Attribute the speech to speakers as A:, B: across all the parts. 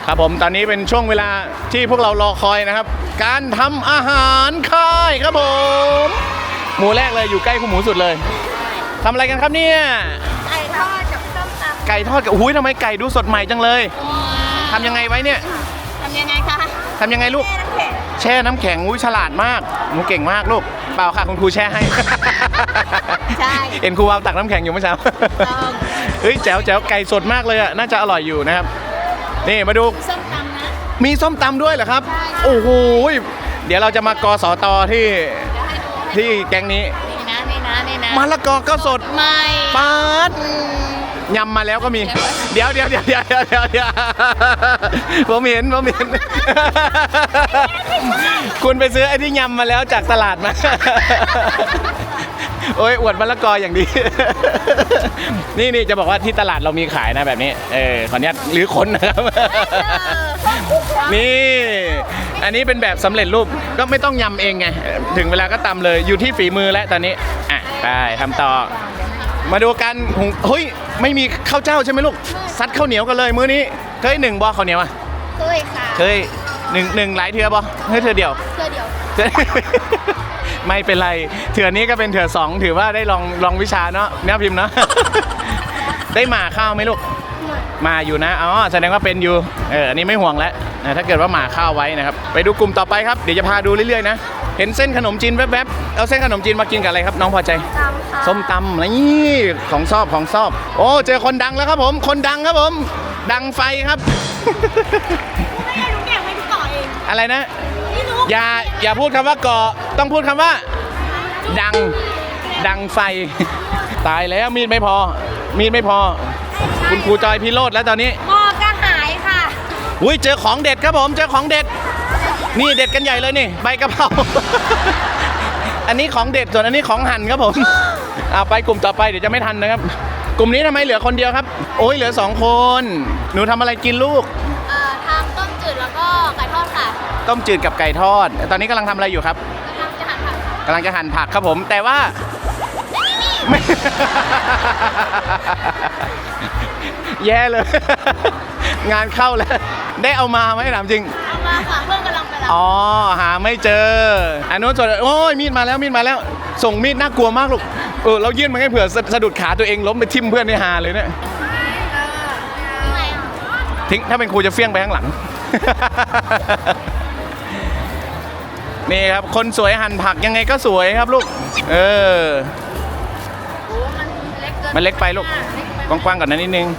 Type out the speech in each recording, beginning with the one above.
A: ครับผมตอนนี้เป็นช่วงเวลาที่พวกเรารอคอยนะครับการทำอาหารค่ายครับผมหมูแรกเลยอยู่ใกล้คุณหมูสุดเลยทำอะไรกันครับเนี่ย
B: ไก่ทอดกับส้มตำ
A: ไก่ทอดกับอุ้ยทำไมไก่ดูสดใหม่จังเลยทำยังไงไว้เนี่ย
B: ทำยังไงคะ
A: ทำยังไงลูกแช่น้ำแข็งอุ้ยฉลาดมากหนูเก่งมากลูกเปล่าค่ะคุณครูแช่ให้
B: ใช่
A: เอ็นครูวาวตักน้ำแข็งอยู่เมื่อเช้าเฮ้ยแจ๋วแจ๋วไก่สดมากเลยอ่ะน่าจะอร่อยอยู่นะครับนี่มาดู
B: ส้มตำนะ
A: มีส้มตำด้วยเหรอครับโอ้โหเดี๋ยวเราจะมากสตที่แก๊งนี้
B: นี่นะ
A: มะละกอก็สด
B: ไม่
A: ปาดยำมาแล้วก็มีเดี๋ยวผมเห็นคุณไปซื้อไอ้ที่ยำมาแล้วจากตลาดมาโอ้ยอวดมะละกออย่างดีนี่จะบอกว่าที่ตลาดเรามีขายนะแบบนี้ขออนุญาตหรือคนนะครับนี่อันนี้เป็นแบบสำเร็จรูปก็ไม่ต้องยำเองไงถึงเวลาก็ตำเลยอยู่ที่ฝีมือแล้วตอนนี้ไปทำต่อมาดูกันเฮ้ยไม่มีข้าวเจ้าใช่ไหมลูกซัดข้าวเหนียวกันเลยมื้อนี้เคย1บ่ข้าวเหนียว
B: เคยค่ะ
A: เคยหนึ่งหลายเทือบ่เฮ้ยเทือเดียวไม่เป็นไรเถื่อนี้ก็เป็นเถื่อ2ถือว่าได้ลองวิชาเนาะแม่พิมพ์เนาะได้หมาข้าวไหมลูกมาอยู่นะอ๋อแสดงว่าเป็นอยู่อันนี้ไม่ห่วงแล้วถ้าเกิดว่าหมาข้าวไว้นะครับไปดูกลุ่มต่อไปครับเดี๋ยวจะพาดูเรื่อยๆนะเห็นเส้นขนมจีนแวบๆเอาเส้นขนมจีนมากินกับอะไรครับน้องพอใจส้มตำนี่ของชอบโอ้เจอคนดังแล้วครับผมคนดังครับผมดังไฟครับอะไรนะอย่าพูดคำว่าเกาะต้องพูดคำว่าดังไฟตายแล้วมีดไม่พอคุณครูจอยพิโรธแล้วตอนนี้
B: หม้อก็หายค่ะ
A: อุ้ยเจอของเด็ดครับผมเจอของเด็ดนี่เด็ดกันใหญ่เลยนี่ใบกะเพราอันนี้ของเด็ดส่วนอันนี้ของหั่นครับผมเอาไปกลุ่มต่อไปเดี๋ยวจะไม่ทันนะครับกลุ่มนี้ทำไมเหลือคนเดียวครับโอ้ยเหลือ2คนหนูทำอะไรกินลูก
B: ทำต้มจืดแล้วก็ไก่ทอดค่ะ
A: ต้มจืดกับไก่ทอดตอนนี้กำลังทำอะไรอยู่ครับกำลังจะหั่นผักครับผมแต่ว่าไม่แย่เลยงานเข้าแล้วได้เอามาไหมถามจริง
B: เอามาค่ะเพื่อนกำลังไปรับ
A: อ๋อหาไม่เจออันนู้นส่วนโอ้ยมีดมาแล้วส่งมีดน่ากลัวมากลูกเรายื่นมาให้เผื่อสะดุดขาตัวเองล้มไปทิ่มเพื่อนในหาเลยเนี่ยทิ้งถ้าเป็นครูจะเฟี้ยงไปข้างหลังนี่ครับคนสวยหั่นผักยังไงก็สวยครับลูกมันเล็กไปลูกกว้างๆก่อนนะนิดนึง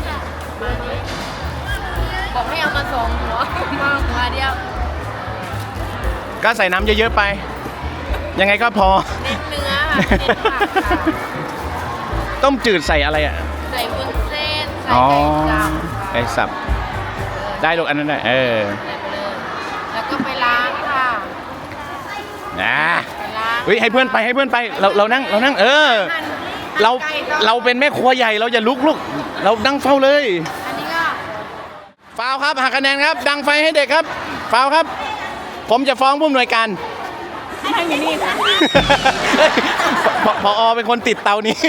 B: บอกให้เอามา2หัวเดียว
A: ก็ใส่น้ำเยอะๆไปยังไงก็พอ
B: เน้นเนื้อค่ะ
A: ต้มจืดใส่อะไร
B: ใส่วุ้นเส้นใส่
A: ไก่สับได้ลูกอันนั้นได้
B: แล้วก็ไปล้างค่ะ
A: เฮ้ยให้เพื่อนไปเรานั่งเราเป็นแม่ครัวใหญ่เราอย่าลุกเรานั่งเฝ้าเลย
B: อันนี้ก็
A: ฟาวครับหักคะแนนครับดังไฟให้เด็กครับฟาวครับผมจะฟ้องผู้อำนวยการ
B: ให้ทำอย่างนี้ค่ะ
A: ผอ.เป็นคนติดเตานี้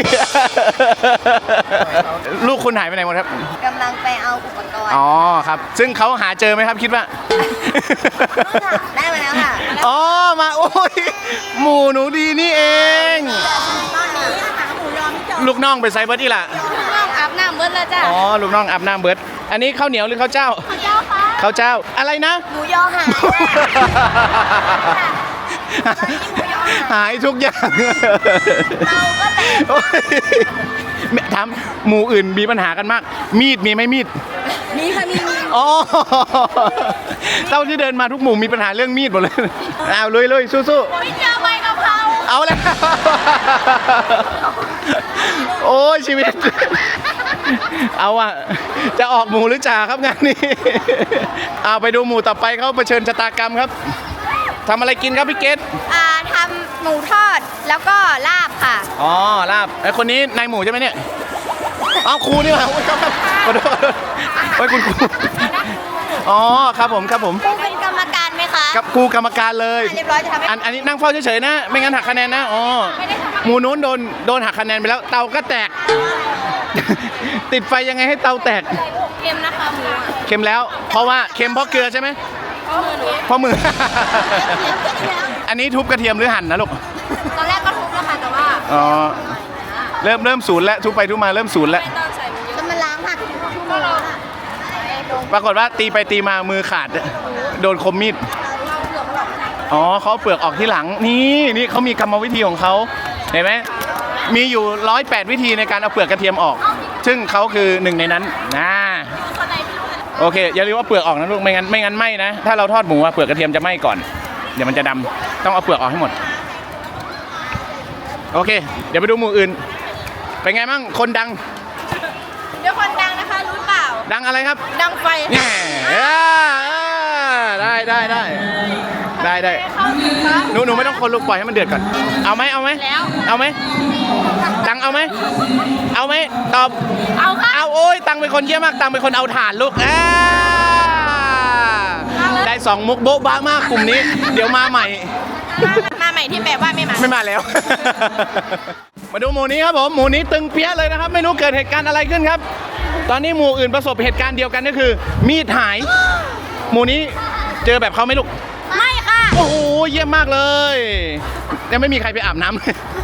A: ลูกคุณหายไปไหนหมดครับ
B: กำลังไปเอาอุปกรณ์
A: อ๋อครับซึ่งเขาหาเจอไหมครับคิดว่า
B: ได้มาแล้วค่ะ
A: อ๋อมาโอ้ยหมูหนูดีนี่เองลูกน้องไปไซเบิร์ดอีล่ะ
B: ลูกน้องอาบน้ำเบิร์ดแล้วจ้ะ
A: อ๋อลูกน้องอาบน้ำเบิร์ดอันนี้ข้าวเหนียวหรือข้าวเจ้า
B: ค่ะ
A: ข้าวเจ้าอะไรนะ
B: หมูยอ
A: หายทุกอย่าง
B: เราก็แต่
A: ถามหมู่อื่นมีปัญหากันมากมีดมีไหมมีด
B: มีค่ะมี
A: อ๋อเต้าที่เดินมาทุกหมู่มีปัญหาเรื่องมีดหมดเลยเอาเลยสู้
B: ๆไม่เจอใบกะเพรา
A: เอาแล้วโอ้ยชีวิตเอาจะออกหมู่หรือจ่าครับงานนี้เอาไปดูหมู่ต่อไปเขาเผชิญชะตากรรมครับทำอะไรกินครับพี่เกต
B: ทำหมูทอดแล้วก็ลาบค่ะ
A: อ๋อลาบไอ้คนนี้นายหมูใช่ไหมเนี่ยเอาครูนี่เหรอครับขอโทษโอ้ยคุณครูอ๋อครับผม
B: ครูเป็นกรรมการไหมคะ
A: กับครูกรรมการเลย
B: เรียบร้อยจะทำให้
A: อันนี้นั่งเฝ้าเฉยๆนะไม่งั้นหักคะแนนนะอ๋อหมูนู้นโดนหักคะแนนไปแล้วเตาก็แตกติดไฟยังไงให้เตาแตก
B: เค็มนะคะหมู
A: เค็มแล้ว เพราะว่าเค็มเพราะเกลือใช่ไหมเพราะมือ อันนี้ทุบกระเทียมหรือหั่นนะลูก
B: ตอนแรกก็ทุบแล้วค่ะแต่ว่า
A: อ๋อ เริ่มศูนย์แล้วทุบไปทุบมาเริ่มศูนย์แล้ว
B: จะมาล้างผักก็เรา
A: ปรากฏว่าตีไปตีมามือขาด โดนคมมีด อ๋อเขาเอาเปลือกออกที่หลัง นี่เขามีกรรมวิธีของเขาเห็นไหมมีอยู่108วิธีในการเอาเปลือกกระเทียมออก ซึ่งเขาคือหนึ่งในนั้นนะโอเคอย่าลืมว่าเปลือกออกนะลูกไม่งั้นไหม้นะถ้าเราทอดหมูเปลือกกระเทียมจะไหม้ก่อนเดี๋ยวมันจะดำต้องเอาเปลือกออกให้หมดโอเค เดี๋ยวไปดูหมูอื่นเป็นไงบ้างคนดัง
B: เดี๋ยวคนดังนะคะรู้เปล่า
A: ดังอะไรครับ
B: ดังไฟ
A: แง่ได้หนูไม่ต้องคนลูกปล่อยให้มันเดือดก่อนเอาไหมเอาไหมตังเอาไหมตอบ
B: เอาค่ะ
A: เอาโอ้ยตังเป็นคนเยี่ยมมากตังเป็นคนเอาถ่านลูกได้2มุกโบ๊ะบ้ามากกลุ่มนี้เดี๋ยวมาใหม่
B: มาใหม่ที่แบบว่าไม่มา
A: ไม่มาแล้ว มาดูหมูนี้ครับผมหมูนี้ตึงเปี้ยเลยนะครับไม่รู้เกิดเหตุการณ์อะไรขึ้นครับ ตอนนี้หมูอื่นประสบเหตุการณ์เดียวกันก็คือ มีดหายหมูนี้เจอแบบเขาไหมลูก
B: ไม่ค่ะ
A: โอ้โหเยี่ยมมากเลยยังไม่มีใครไปอาบน้ำ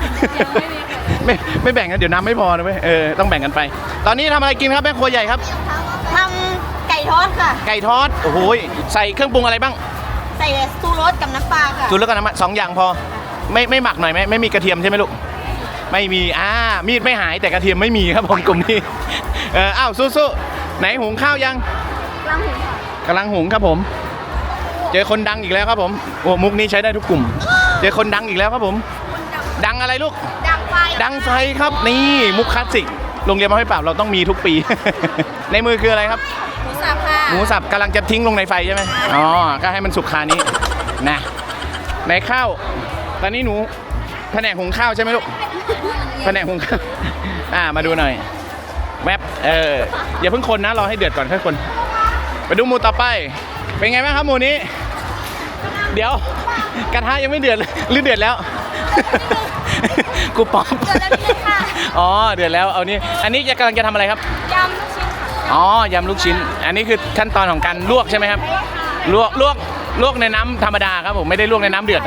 A: ไม่แบ่งกันเดี๋ยวน้ำไม่พอนะเว้ยต้องแบ่งกันไป ตอนนี้ทำอะไรกินครับแม่ครัวใหญ่ครับ
B: ทำไก่ทอดค่ะ
A: ไก่ทอดโอ้โหใส่เครื่องปรุงอะไรบ้าง
B: ใส่ซูรสกับน้ำปลาค่ะ
A: จุดแล้วกันนะ2 อย่างพอไม่หมักหน่อยไหมไม่มีกระเทียมใช่ไหมลูกไม่มีมีดไม่หายแต่กระเทียมไม่มีครับผมกลุ่มนี้อ้าวสู้ๆไหนหุงข้าวยังกำลังหุงครับผมเจอคนดังอีกแล้วครับผมโอ้มุกนี้ใช้ได้ทุกกลุ่มเจอคนดังอีกแล้วครับผมดังอะไรลูก
B: ดังไฟ
A: ดังไฟครับนี่มุกคลาสสิกโรงเรียนมาให้ปราบเราต้องมีทุกปี ในมือคืออะไรครับ
B: หมูสับค่ะ
A: หมูสับกำลังจะทิ้งลงในไฟใช่ไหมอ๋อก็ให้มันสุกคานี้นะในข้าวตอนนี้หนูแผนกหุงข้าวใช่ไหมลูกแผนกหุงข้าวมาดูหน่อยแวบอย่าเพิ่งคนนะรอให้เดือดก่อนค่อยคนไปดูหมูต่อไปเป็นไงบ้างครับหมูนี้ เดี๋ยวกระทะยังไม่เดือดเลยหรือเดือดแล้ว กูป๊อป
B: เดือดแล้วนี่ค่ะ
A: อ๋อเดือดแล้วเอานี่อันนี้กำลังจะทำอะไรครับ
B: ยำลูกชิ้นค่ะ
A: อ๋อยำลูกชิ้น อันนี้คือขั้นตอนของการลวกใช่ไหมครับลวกในน้ำธรรมดาครับผมไม่ได้ลวกในน้ำเดือดนะ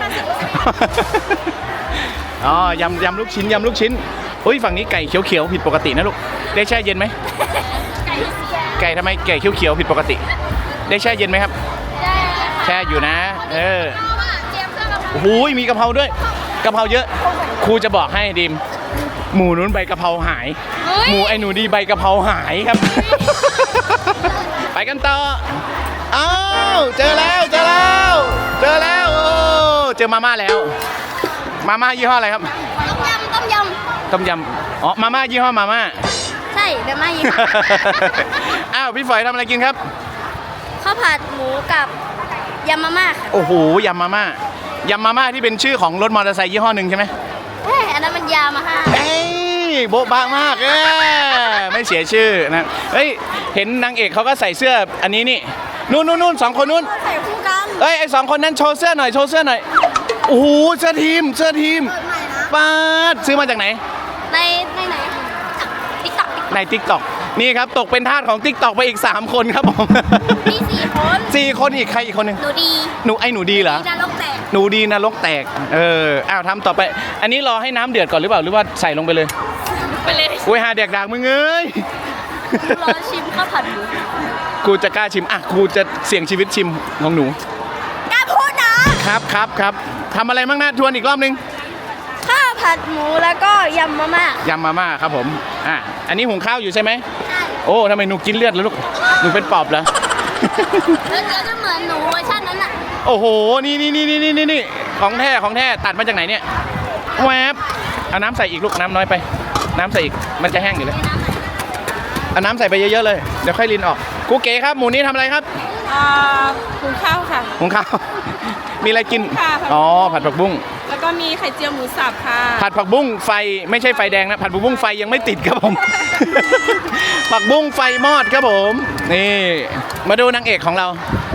A: อ๋อยำลูกชิ้นอุ้ยฝั่งนี้ไก่เขียวๆผิดปกตินะลูกได้แช่เย็นไหมไก่ทำไมไก่เขียวๆผิดปกติ ได้แช่เย็นไหมครับแช่อยู่นะโอ้โหมีกะเพราด้วยกะเพราเยอะครูจะบอกให้ดิมหมูนู้นใบกะเพราหายหมูไอ้หนูดีใบกะเพราหายครับ ไปกันต่ออ้าวเจอแล้วโอ้เจอมาม่าแล้วมาม่ายี่ห้ออะไรครับ ต้มยำอ๋อมาม่ายี่ห้อมาม่า
B: ใช่เดี๋ยวมาอีก
A: อ้าวพี่ฝอยทำอะไรกินครับ
B: ข้าวผัดหมูกับยำมาม่าค่ะ
A: โอ้โหยำมาม่าที่เป็นชื่อของรถมอเตอร์ไซค์ยี่ห้อหนึ่งใช่ไหม
B: อันนั้นมันยามาฮ่า
A: เอ้ยโบ๊ะบะมากไม่เสียชื่อนะเฮ้ยเห็นนางเอกเขาก็ใส่เสื้ออันนี้นี่นู่น2 คนนู้น
B: ใส่คู่กัน
A: เอ้ยไอ้2 คนนั้นโชว์เสื้อหน่อยโอ้โหเสื้อทีมป้าดซื้อมาจากไหน
B: ในไหนติ๊กต็อก
A: ใน TikTok นี่ครับตกเป็นทาสของ TikTok ไปอีก3 คนครับผม
B: มี4 คน
A: 4 คนอีกใครอีกคนหนึ่ง
B: หนูดี
A: หนูดีเหรอ
B: ดาลกแตก
A: หนูดีนรกแตกอ้าวทำต่อไป อันนี้รอให้น้ำเดือดก่อนหรือเปล่าหรือว่าใส่ลงไปเลย
B: ไปเลย
A: อุ้ยหาเด็กด่างมึงเอ้ย
B: รอชิมข้าวผัดหมู
A: กูจะกล้าชิมกูจะเสี่ยงชีวิตชิมของหนู
B: กล้าพูดนะครับ
A: ทำอะไรบ้างนะทวนอีกรอบนึง
B: ข้าวผัดหมูแล้วก็ยำมาม่าย
A: ำมาม่าครับผมอันนี้หุงข้าวอยู่ใช่ไหมโอ้ทำไมหนูกินเลือดแล้วลูกหนูเป็นปอบเหรอ
B: แล้วจะเหมือนหนูเวอร์ชันนั้นอ่ะ
A: โอ้โหนี่ของแท้ตัดมาจากไหนเนี่ยแวบเอาน้ำใส่อีกลูกน้ำน้อยไปน้ำใส่อีกมันจะแห้งอยู่แล้วเอาน้ำใส่ไปเยอะๆเลยเดี๋ยวค่อยรินออกกูเก๋ครับหมูนี้ทำอะไรครับ
C: หุงข้าวค่ะ
A: หุงข้าว มีอะไรกิน
C: ค่ะ
A: อ๋อผัดผักบุ้ง
C: แล้วก็มีไข่เจียวหมูสับค่ะ
A: ผัดผักบุ้งไฟไม่ใช่ไฟแดงนะผัดผักบุ้งไฟยังไม่ติดครับผม ผักบุ้งไฟมอดครับผมนี่มาดูนางเอกของเรา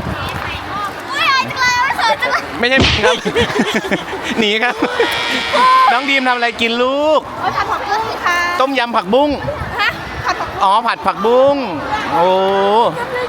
A: ไม่ใช่ครับ หนีครับ น้องดีมทำอะไรกินลูก
B: ผัดผักบุ้งค่ะ
A: ต้มยำผักบุ้ง
B: ฮะผัดผัก
A: อ๋อผัดผักบุ้งโอ้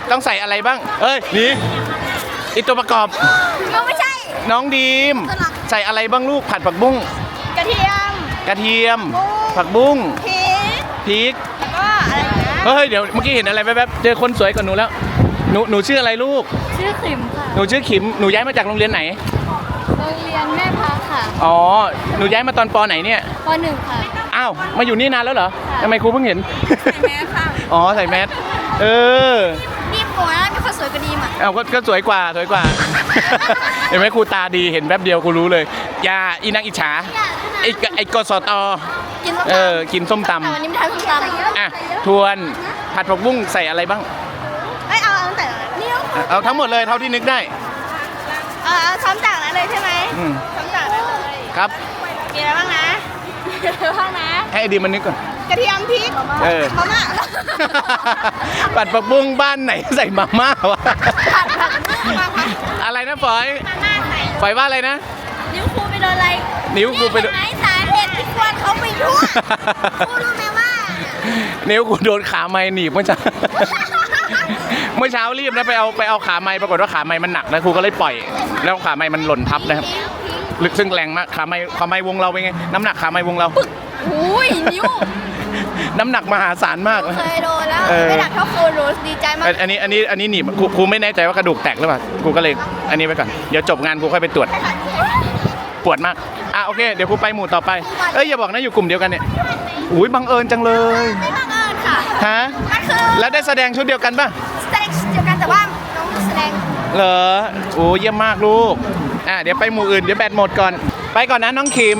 A: ต้องใส่อะไรบ้าง เอ้ยนี่อีตัวประกอบ
B: ไม่ใช่
A: น้องดีมใส่อะไรบ้างลูกผัดผักบุ้ง
B: กระเทียม
A: กระเทียม ผักบุ้ง
B: พริก
A: พริก
B: แล้วก็อะไรนะ
A: เฮ้ยเดี๋ยวเมื่อกี้เห็นอะไรแป๊บๆเจอคนสวยกว่าหนูแล้วหนูชื่ออะไรลูก
B: ชื่อขิมค่ะ
A: หนูชื่อขิมหนูย้ายมาจากโรงเรียนไหน
B: โรงเรียนแม่พักค่ะ
A: อ๋อหนูย้ายมาตอนปไหนเนี่ย
B: ป .1 ค่ะ
A: อ้าวมาอยู่นี่นานแล้วเหรอทำไมครูเพิ่งเห็น
C: ใส่แมสค่ะ
A: อ๋อใส่แมสเออ
B: นี่ผมนะมีคนสวยกว่าดีมอ่ะ
A: เอาก็สวยกว่า เห็นไหมครูตาดีเห็นแป๊บเดียวกูรู้เลยอย่าอีนางอิจฉาไอ้กสต
B: กินส้มตำ
A: กินส้มต
B: แต่วันนี้ไม่ทานส้มตำ
A: ำอ่ะทวนผัดผักบุ้งใส่อะไรบ้าง
B: เอ้ยเอาตั้งแต่นี่
A: เอาทั้งหมดเลยเท่าที่นึกได้
B: เอาซ้ำจากนั้นเลยใช่ไหม
A: อืม
B: ซ้ำจากนั้นเลย
A: ครับ
B: มีอะไรบ้างนะมีอะไรบ้างนะ
A: ให้ไอดีมันนึกก่อน
B: กระเทียมพริก
A: เออ
B: มาม่า
A: ผัดผักบุ้งบ้านไหนใส่มาม่าวะ
B: ผัดมาม่า
A: อะไรนะฝอย
B: มาม่าใส่
A: ฝอยว่าอะไรนะ
B: นิ้วครูไปโดนอะไร
A: นิ้วครูไปโดน
B: เห็นไหมสาเหตุที่ควรเขาไปทั่วครูรู้ไหมว่า
A: นิ้วกูโดนขาไม้หนีบเมื่อเช้า เมื่อเช้ารีบนะไปเอาขาไม้ปรากฏว่าขาไม้มันหนักนะครูก็เลยปล่อย แล้วขาไม้มันหล่นทับนะครับลึกซึ่งแรงมากขาไม้วงเราเป็นไงน้ำหนักขาไม้วงเรา
B: อุ้ยนิ้ว
A: น้ำหนักมหาศาลมากนะ
B: เคยโดนแล้ว
A: เออ
B: ไม่หนักเท่าครูรู้ดีใจมาก
A: อันนี้หนีบครูไม่แน่ใจว่ากระดูกแตกหรือเปล่าครูก็เลยอันนี้ไว้ก่อนเดี๋ยวจบงานครูค่อยไปตรวจปวดมากอ่ะโอเคเดี๋ยวครูไปหมู่ต่อไปเอ้ยอย่าบอกนะอยู่กลุ่มเดียวกันเนี่ยอุ้ยบังเอิญจังเลย
B: ไม่บังเอิญค่ะ
A: ฮะ
B: มันคือ
A: แล้วได้แสดงชุดเดียวกันป่ะ
B: แสดงเดียวกันแต่ว่าน้องแสดง
A: เหรอโอ้เยี่ยมมากลูกเดี๋ยวไปหมู่อื่นเดี๋ยวแบตหมดก่อนไปก่อนนะน้องขิม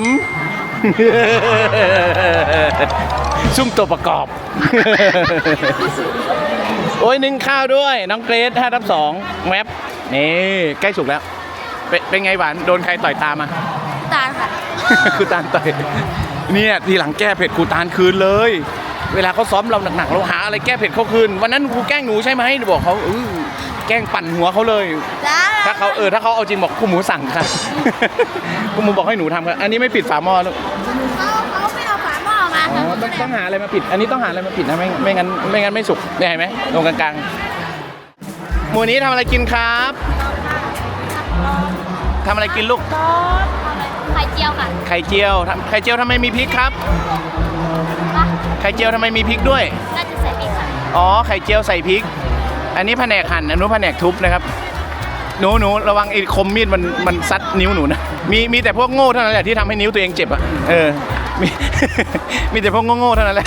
A: ซุ่มตัวประกอบ โอ้ยนึ่งข้าวด้วยน้องเกรซ5/2แวบนี่ใกล้สุกแล้วเป็นไงหวานโดนใครต่อยตามมา
B: ตาลค่ะ
A: ครูตาลต่อยเนี่ยทีหลังแก้เผ็ดครูตาลคืนเลย เวลาเขาซ้อมเราหนักๆเราหาอะไรแก้เผ็ดเขาคืนวันนั้นครูแกล้งหนูใช่ไหมบอกเขาแกล้งปั่นหัวเขาเลย
B: จ้า
A: ถ้าเขาเอาจริงบอกครูหมูสั่งค่ะ ครูหมูบอกให้หนูทำครับอันนี้ไม่ปิดฝาหม้อลูก
B: เขาไม่เอาฝาหม้อมา
A: อ๋อ
B: ค่ะ
A: ต้องหาอะไรมาปิด อันนี้ต้องหาอะไรมาปิดนะไม่งั้นไม่สุกเนี่ยเห็นไหมตรงกลางๆหมู่นี้ทำอะไรกินครับทำอะไรกินลูก
B: ไข่เจียวค่ะ
A: ไข่เจียวทำไมมีพริกครับ ไข่เจียวทำไมมีพริกด้วย
B: น่าจะใส่พริกค่ะ
A: อ๋อไข่เจียวใส่พริก อันนี้แผนกหั่นอันนู้นแผนกทุบนะครับหนูระวังไอ้คมมีดมันซัดนิ้วหนูนะมีแต่พวกโง่เท่านั้นแหละที่ทำให้นิ้วตัวเองเจ็บอ่ะมี มีแต่พวกโง่ๆเท่านั้นแหละ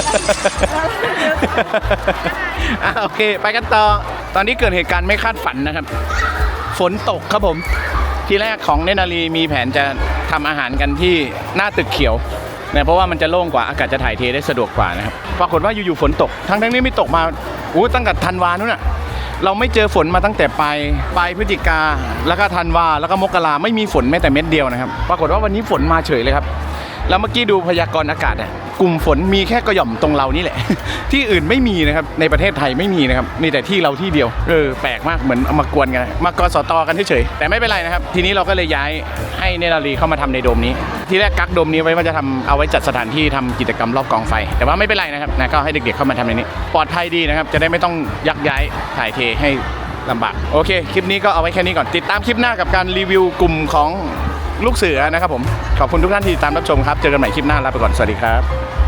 A: โอเคไปกันต่อตอนนี้เกิดเหตุการณ์ไม่คาดฝันนะครับฝนตกครับผมทีแรกของเนตรนารีมีแผนจะทำอาหารกันที่หน้าตึกเขียวเนี่ยเพราะว่ามันจะโล่งกว่าอากาศจะถ่ายเทได้สะดวกกว่านะครับปรากฏว่าอยู่ๆฝนตกทั้งนี้ไม่ตกมาตั้งแต่ธันวานู่นน่ะเราไม่เจอฝนมาตั้งแต่ปลายพฤศจิกาแล้วก็ธันวาแล้วก็มกราไม่มีฝนแม้แต่เม็ดเดียวนะครับปรากฏว่าวันนี้ฝนมาเฉยเลยครับแล้วเมื่อกี้ดูพยากรณ์อากาศเนี่ยกลุ่มฝนมีแค่กระหย่อมตรงเรานี่แหละ ที่อื่นไม่มีนะครับในประเทศไทยไม่มีนะครับมีแต่ที่เราที่เดียวแปลกมากเหมือนเอามากวนกันมากสตกันเฉยๆแต่ไม่เป็นไรนะครับทีนี้เราก็เลยย้ายให้เนตรนารีเข้ามาทำในโดมนี้ทีแรกกักโดมนี้ไว้ว่าจะทำเอาไว้จัดสถานที่ทำกิจกรรมรอบกองไฟแต่ว่าไม่เป็นไรนะครับนะก็ให้เด็กๆเข้ามาทำในนี้ปลอดภัยดีนะครับจะได้ไม่ต้องยักย้ายถ่ายเทให้ลำบากโอเคคลิปนี้ก็เอาไว้แค่นี้ก่อนติดตามคลิปหน้ากับการรีวิวกลุ่มของลูกเสือนะครับผมขอบคุณทุกท่านที่ติดตามรับชมครับเจอกันใหม่คลิปหน้าลาไปก่อนสวัสดีครับ